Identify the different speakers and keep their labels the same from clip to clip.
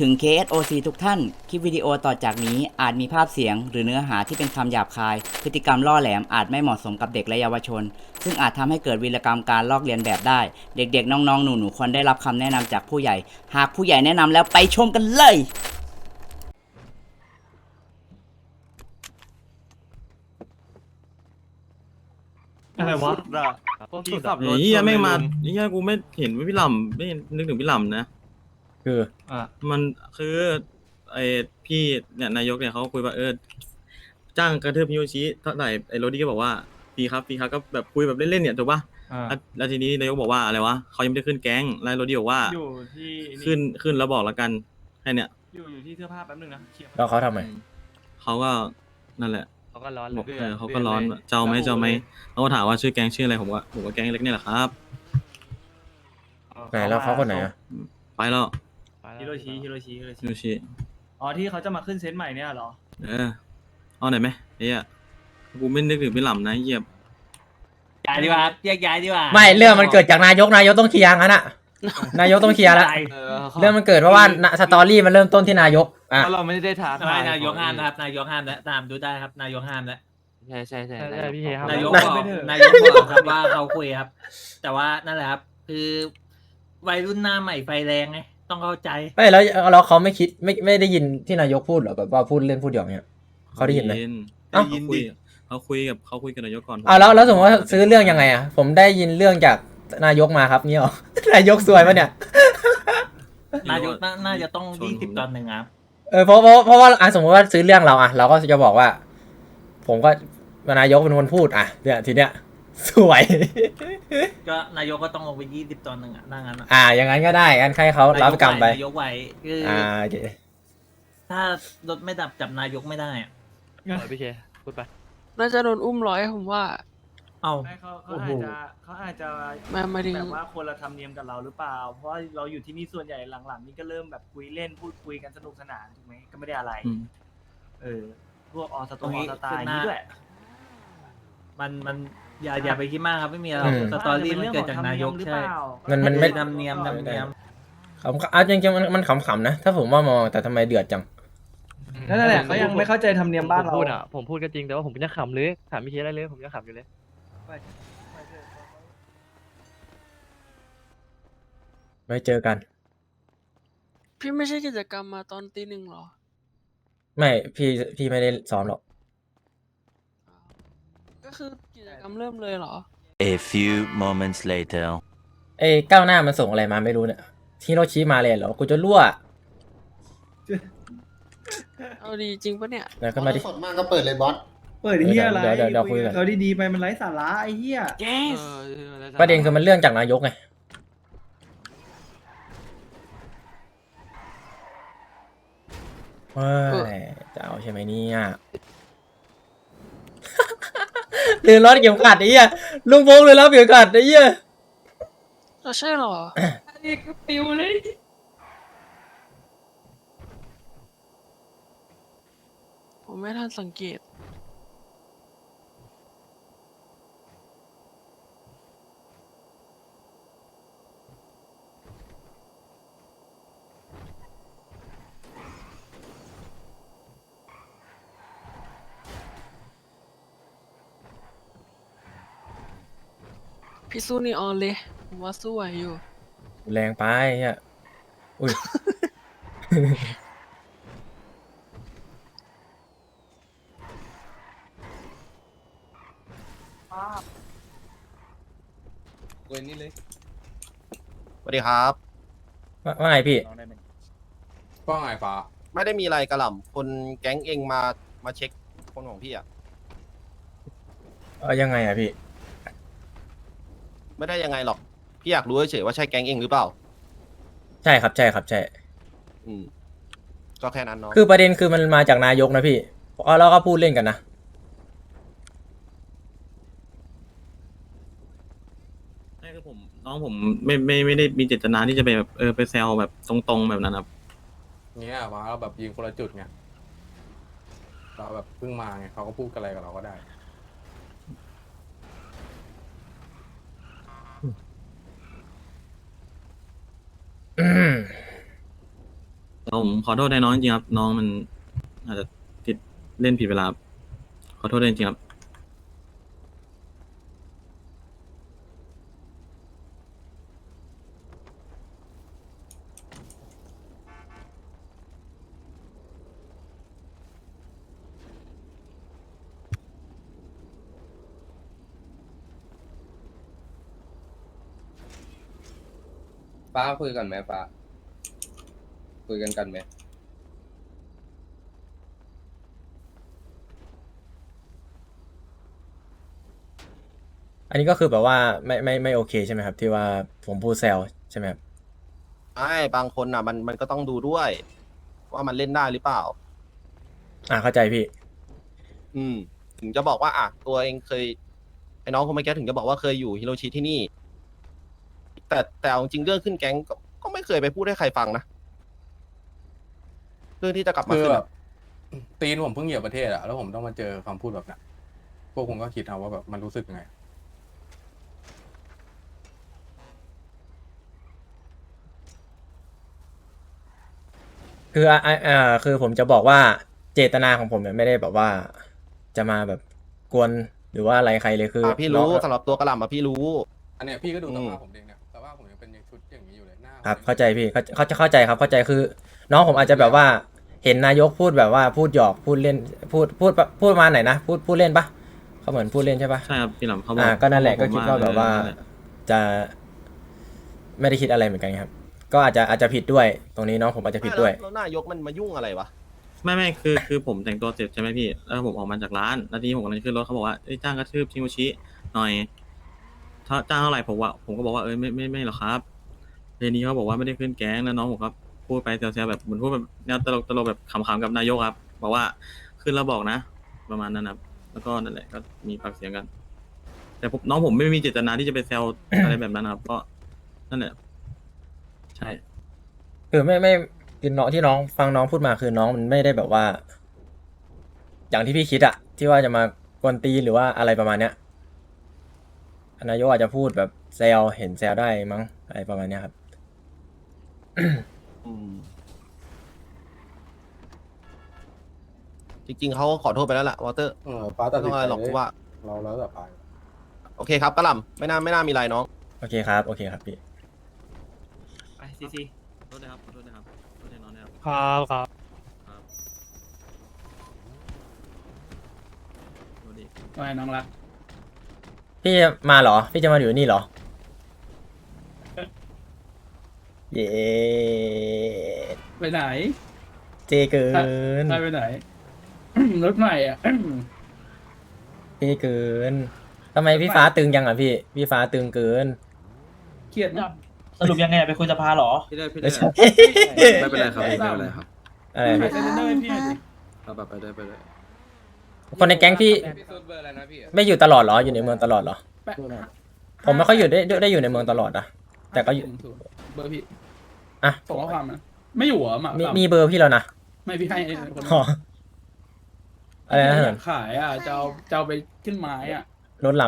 Speaker 1: ถึง KSOC ทุกท่าน คลิปวิดีโอต่อจากนี้อาจมีภาพเสียงหรือเนื้อหาที่เป็นคำหยาบคาย พฤติกรรมล่อแหลมอาจไม่เหมาะสมกับเด็กและเยาวชน ซึ่งอาจทำให้เกิดวีรกรรมการลอกเลียนแบบได้ เด็กๆ น้องๆ หนูๆ ควรได้รับคำแนะนำจากผู้ใหญ่ หากผู้ใหญ่แนะนำแล้วไปชมกันเลย
Speaker 2: อะไรวะ
Speaker 3: สุดอะที่ขับรถ
Speaker 4: เฮีย
Speaker 3: ชน
Speaker 4: ไม่
Speaker 3: เลย
Speaker 4: มา
Speaker 3: ลุง
Speaker 4: เฮียกูไม่เห็นว่าพี่หล่ำไม่นึกถึงพี่หล่ำนะ
Speaker 5: คือ
Speaker 2: อ่ะ
Speaker 4: มันคือไอพี่เนี่ยนายกเนี่ยเขาคุยว่าจ้างกระทืบฮิโรชิเท่าไหร่ไอโรดี้ก็บอกว่าฟรีครับก็แบบคุยแบบเล่นๆเนี่ยถูกปะ
Speaker 2: อ่ะ
Speaker 4: แล้วทีนี้นายกบอกว่าอะไรวะเขายังไม่ได้ขึ้นแก๊งแล้วโรดี้บอกว่า
Speaker 3: อยู่ที่นี่
Speaker 4: ขึ้นแล้วบอกแล้วกันแค่เนี่ย
Speaker 3: อยู่ที่เสื้อผ้าแป๊บนึงนะเคลียร์
Speaker 5: แล้วเขาทำไม
Speaker 4: เขาก็นั่นแหละ
Speaker 6: เขาก็ร้อน
Speaker 4: บอก
Speaker 6: เลย
Speaker 4: เขาก็ร้อนเจ้าไหมเขาก็ถามว่าชื่อแก๊งชื่ออะไรผมว่าแก๊งเล็กเนี่ยแหละครับ
Speaker 5: ไหนแล้วเขาคนไหนอ่ะ
Speaker 4: ไปแล้ว
Speaker 3: ฮิโรชิ
Speaker 4: ฮิโรชิ
Speaker 3: อ๋อที่เขาจะมาขึ้นเซตใหม่เนี่ยเหรอ
Speaker 4: เอาไหนอยไหมเฮียกูไม่นึกถึงพี่หล่ำนะเฮีย
Speaker 1: ย้ายดีกว่าแยกย้ายดีกว่า
Speaker 5: ไม่เรื่องมันเกิดจากนายกต้องเคลียร์งั้นอ่ะ นายกต้องเคลียร์แล้วเรื่องมันเกิดเพราะว่าสตอรี่มันเริ่มต้นที่นายกอ่ะ
Speaker 6: เพราะเราไม่ได้ท้าทาย
Speaker 1: นายกห้ามนะครับนายกห้ามแล้วตามดูได้ครับนายกห้ามแล้ว
Speaker 6: ใช่ใช่ใช่
Speaker 2: ใช่พี่เฮครับ
Speaker 1: นายก
Speaker 3: ไม่
Speaker 1: บอก
Speaker 3: ไม่เถอะ
Speaker 1: นายกบอกครับว่าเขาคุยครับ แต่ว่านั่นแหละครับ คือวัยรุ่นหน้าใหม่ไฟแรงไงต้องเข้าใจ
Speaker 5: ไม่แล้วเขาไม่คิดไม่ได้ยินที่นายกพูดเหรอแบบว่าพูดเล่นพูดหยอกเนี่ยเขาได้ยินไหม เอ้า
Speaker 4: เขาคุยกับนายกก่อน
Speaker 5: แล้วสมมติว่าซื้อเรื่องยังไงอ่ะผมได้ยินเรื่องจากนายกมาครับเนี่ยหรอ นายกซวยปะเนี่ย
Speaker 1: นายกน่าจะต้อง20-1ครับ
Speaker 5: เพราะว่าสมมติว่าซื้อเรื่องเราอ่ะเราก็จะบอกว่า ผมก็นายกเป็นคนพูดอ่ะเนี่ยทีเนี้ยสวย
Speaker 1: ก็นายกก็ต้องลงไป20-1อ่ะนั่งงั้นอะ
Speaker 5: อย่างนั้นก็ได้งั้นให้เขารับกรรมไป
Speaker 1: นายกไหวคืออ
Speaker 5: โอเค
Speaker 1: ถ้ารถไม่ดับจับนายกไม่ได้อะ
Speaker 6: พี่เชพูดไป
Speaker 7: น่าจะโดนอุ้มร้อยผมว่า
Speaker 1: เอ้า
Speaker 3: ไม่เขา
Speaker 5: โอ้โห
Speaker 3: อาจจะ
Speaker 7: มาถึง
Speaker 3: แบบว่าคนละธรรมเนียมกับเราหรือเปล่า เพราะว่าเราอยู่ที่นี่ส่วนใหญ่หลังๆ นี่ก็เริ่มแบบคุยเล่นพูดคุยกันสนุกสนานถูกไหมก็ไม่ได้อะไร พวกออสตล์นี้ด้วย
Speaker 1: มันอย่าไปคิดมากครับไม่มีอะไรหรอกสตอรี่มันเกิดจากนายกใช่
Speaker 5: มันไม่
Speaker 1: ธรรมเนียม
Speaker 5: ขำจริงๆมันขำๆนะถ้าผมว่ามองแต่ทำไมเดือดจัง
Speaker 3: นั่นแหละเขายังไม่เข้าใจธรรมเนียมบ้านเรา
Speaker 6: พูดอ่ะผมพูดก็จริงแต่ว่าผมจะขำเลยถามพี่เชได้เลยผมจะขำอยู่เลย
Speaker 5: ไม่เจอกัน
Speaker 7: พี่ไม่ใช่กิจกรรมมาตอนตี 1หรอ
Speaker 5: ไม่พี่ไม่ได้ซ้อมหรอก
Speaker 7: ก็คือกิจกรรมเริ่มเลยเหรอ
Speaker 8: A few moments later.
Speaker 5: ก้าวหน้ามันส่งอะไรมาไม่รู้เนี่ยฮิโรชิมาเลยเหรอกูจะรั่ว
Speaker 7: เอาดีจริงปะเนี่ย
Speaker 5: แล้วก็มาดิ
Speaker 9: สดมากก็เปิดเลยบอส
Speaker 3: เปิดเฮียอะไร
Speaker 5: เดี๋ยวคุยกัน
Speaker 3: เขาดีๆไปมันไร้สาระไอ้เฮีย
Speaker 5: ประเด็นคือมันเรื่องจากนายกไงเฮ้ยจะเอาใช่ไหมเนี่ยลืมรถเข็มขัดไอ้เหี้ยลุงพงษ์ลืมรถเข็มขัดไอ้เหี้ย
Speaker 7: เราใช่เหรอ อันนี้ก็ปิวเลย ผมไม่ทันสังเกต พี่สู้นีออนเลย ผมว่าสู้ไหวอยู่
Speaker 5: แรงไปเหี้ยอุ้ย
Speaker 9: สวัสดีครับ
Speaker 5: ว่าไงพี่
Speaker 10: ว่าไงฟ้า
Speaker 9: ไม่ได้มีอะไรกระหล่ำคนแก๊งเองมาเช็คคนของพี่อ่ะ
Speaker 5: ยังไงอะพี่
Speaker 9: ไม่ได้ยังไงหรอก พี่อยากรู้เฉยๆว่าใช่แก๊งเองหรือเปล่า
Speaker 5: ใช่ครับใช่
Speaker 9: อืม ก็แค่นั้นเนาะ
Speaker 5: คือประเด็นคือมันมาจากนายกนะพี่แล้วก็พูดเล่นกันนะ
Speaker 4: ใช่คือน้องผมไม่ได้มีเจตนาที่จะไปแบบไปแซวแบบตรงๆแบบนั้นครับ
Speaker 10: เงี้ยมาเราแบบยิงคนละจุดไงเราแบบเพิ่งมาไงเขาก็พูดกันอะไรกับเราก็ได้
Speaker 4: ผมขอโทษในน้องจริงๆครับน้องมันอาจจะติดเล่นผิดเวลาครับขอโทษด้วยจริงๆครับ
Speaker 9: ฟ้าคุยกันไหมฟ้าคุยกันไหม
Speaker 5: อันนี้ก็คือแบบว่าไม่โอเคใช่ไหมครับ ที่ว่าผมพูดแซวใช่ไหมครับ
Speaker 9: ไม่บางคนอ่ะมันก็ต้องดูด้วย ว่ามันเล่นได้หรือเปล่า
Speaker 5: เข้าใจพี่
Speaker 9: ถึงจะบอกว่าตัวเองเคยไอ้น้องคนเมื่อกี้ถึงจะบอกว่าเคยอยู่ฮิโรชิที่นี่ แต่เอาจริงเรื่องขึ้นแก๊งก็ไม่เคยไปพูดให้ใครฟังนะเรื่องที่จะกลับมา
Speaker 10: คือ
Speaker 9: ขึ้น
Speaker 10: แบ
Speaker 9: อะ
Speaker 10: บตีนผมเพิ่งเหยียบประเทศอะแล้วผมต้องมาเจอคำพูดแบบนั้นพวกคุณก็คิดเอาว่าแบบมันรู้สึกยังไง
Speaker 5: คือคือผมจะบอกว่าเจตนาของผมเนี่ยไม่ได้แบบว่าจะมาแบบกวนหรือว่าอะไรใครเลยคือ
Speaker 9: พี่รู้
Speaker 5: น้อง
Speaker 9: สำหรับตัวกระหล่ำพี่รู้
Speaker 10: อันเนี้ยพี่ก็ดูสภาพผมเองเนี่ยสภาพผมยังเป็นชุดอย่างนี้อยู่เลยหน้า
Speaker 5: ครับเข้าใจพี่เข้าใจครับเข้าใจคือ น้องผมอาจจะแบบว่าเห็นนายกพูดแบบว่าพูดหยอกพูดเล่นพูดมาไหนนะพูดเล่นปะเขาเหมือนพูดเล่นใช่ปะ
Speaker 4: ใช่ครับพี่หลำเขาบอก
Speaker 5: ก็นั่นแหละก็
Speaker 4: ผม
Speaker 5: คิดว่าแบบว่า
Speaker 4: นั่นแหละ
Speaker 5: จะไม่ได้คิดอะไรเหมือนกันครับ ก็อาจจะผิดด้วยตรงนี้น้องผมอาจจะผิดด้วย
Speaker 9: แล้วนายกมันมายุ่งอะไรวะ
Speaker 4: ไม่คือผมแต่งตัวเสร็จใช่ไหมพี่แล้วผมออกมาจากร้านแล้วทีนี้ผมกำลังจะขึ้นรถเขาบอกว่าเอ้ยจ้างกระทืบชิงโกชิหน่อยถ้าจ้างเท่าไหร่ผมก็บอกว่าเอ้ยไม่หรอกครับทีนี้เขาบอกว่าไม่ได้ขึ้นแก๊งแล้วน้องผมครับพูดไปแซวๆแบบเหมือนพูดแบบแนวตลกแบบขำๆกับนายกครับบอกว่าขึ้นแล้วบอกนะ ประมาณนั้นครับแล้วก็นั่นแหละก็มีปากเสียงกัน แต่น้องผมไม่มีเจตนาที่จะไปแซว อะไรแบบนั้นครับก็นั่นแหละใช่
Speaker 5: คือไม่คือน้องที่น้องฟังน้องพูดมาคือน้องมันไม่ได้แบบว่า อย่างที่พี่คิดอะที่ว่าจะมากวนตีนหรือว่าอะไรประมาณเนี้ยนายกอาจจะพูดแบบแซวเห็นแซวได้มั้งอะไรประมาณเนี้ยครับ
Speaker 9: จริงๆเขาขอโทษไปแล้วล่ะวอเตอร์
Speaker 10: ฟ้าตัด
Speaker 9: ไม่
Speaker 10: สิ
Speaker 9: ต้
Speaker 10: น
Speaker 9: องอะไร
Speaker 10: ใจ
Speaker 9: หรอกกูว่า
Speaker 10: เราแล้วแต่ไป
Speaker 9: โอเคครับกระหล่ำไม่น่ามีอะไรน้อง
Speaker 5: โอเคครับพี่
Speaker 3: ไปซี
Speaker 4: ขอโทษนะครับขอโทษนะครับขอโทษน้องนะครับ
Speaker 6: ครับ
Speaker 4: ครับสวัสดี
Speaker 2: ว่าไงน้องรัก
Speaker 5: พี่มาเหรอ พี่จะมาอยู่นี่เหรอ เย้
Speaker 2: ไปไหน
Speaker 5: เจเกิน
Speaker 2: ไปไหน รถใหม่อ่ะ
Speaker 5: เจเกินทำไมพี่ฟ้าตึงยังอ่ะพี่ฟ้าตึงเกิน
Speaker 2: เครียดนะ
Speaker 3: สรุปยังไงไปคุยสภาหรอ
Speaker 11: พี่ได้
Speaker 5: ไม่ใช่
Speaker 11: ไม่เป็นไรครับพี่ไม่เป็นไรครับ
Speaker 5: อะไร
Speaker 2: ไป
Speaker 5: พี่
Speaker 2: เซนเตอร์ให้พี่หน่อยดิ
Speaker 11: เอาแบบไปได้
Speaker 5: คนในแก๊งพี่
Speaker 9: พี่ซูดเบอร์อะไรนะพี่
Speaker 5: ไม่อยู่ตลอดเหรออยู่ในเมืองตลอดเหรอ ผมไม่ค่อยอยู่ได้อยู่ในเมืองตลอดนะแต่ก็อยู่
Speaker 2: เบอร์พี่
Speaker 5: อ่ะ
Speaker 2: ส่งข้อความมาไม่อยู่เหรอหมา
Speaker 5: มีเบอร์พี่แล้วนะ
Speaker 2: ไม่พี่ให้ไอ้คน
Speaker 5: อ๋ออะไรนะ
Speaker 2: อ
Speaker 5: เหิ
Speaker 2: ยาน กขายอ่ะจะเอาไปขึ้นไม้อ่ะ
Speaker 5: รถ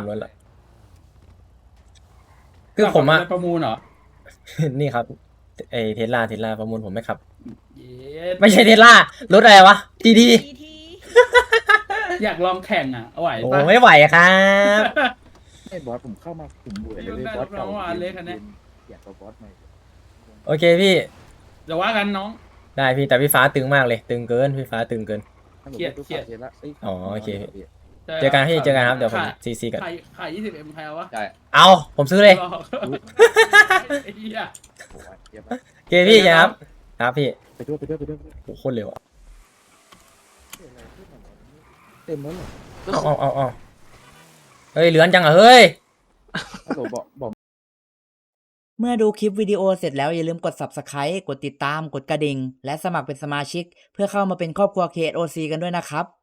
Speaker 5: คือผมอะ
Speaker 2: จะประมูลเหรอ
Speaker 5: นี่ครับไอเทสลาประมูลผมไม่ขับ
Speaker 2: เย้
Speaker 5: ไม่ใช่เทสลารถอะไรวะดี
Speaker 2: อยากลองแข่งอ่ะเอาไหว
Speaker 5: โอ้
Speaker 2: ปะ
Speaker 5: ไม่ไหวครับ
Speaker 11: ให้บอสผมเข้ามาผมเบื่อเลย
Speaker 2: ได้
Speaker 11: บอสเก่า
Speaker 2: น้องว่าเล็กอันเนี้ย
Speaker 11: อยากเอาบอสใหม่
Speaker 5: โอเคพี่
Speaker 2: เดี๋ยวว่ากันน้อง
Speaker 5: ได้พี่แต่พี่ฟ้าตึงมากเลย ตึงเกินพี่ฟ้าตึงเกิน
Speaker 2: เครียด
Speaker 5: อ๋อโอเค เจอกันพี่เจอกันครับเดี๋ยวผมซีกัน
Speaker 2: ขาย 20M ใครเอาวะ
Speaker 5: เอาผมซื้อเลย
Speaker 2: หรอไอ้เหี้ย
Speaker 5: โอเคพี่ครับพี่
Speaker 11: ไปด้วย
Speaker 5: โอ้โหโคตรเร็วอะ
Speaker 11: เต็มแล้วเหรอ
Speaker 5: เอาเฮ้ยเหลือนจังอะเฮ้ย
Speaker 11: ฮัลโหลบอก
Speaker 1: เมื่อดูคลิปวิดีโอเสร็จแล้วอย่าลืมกด Subscribe กดติดตาม กดกระดิ่ง และสมัครเป็นสมาชิก เพื่อเข้ามาเป็นครอบครัว KOC กันด้วยนะครับ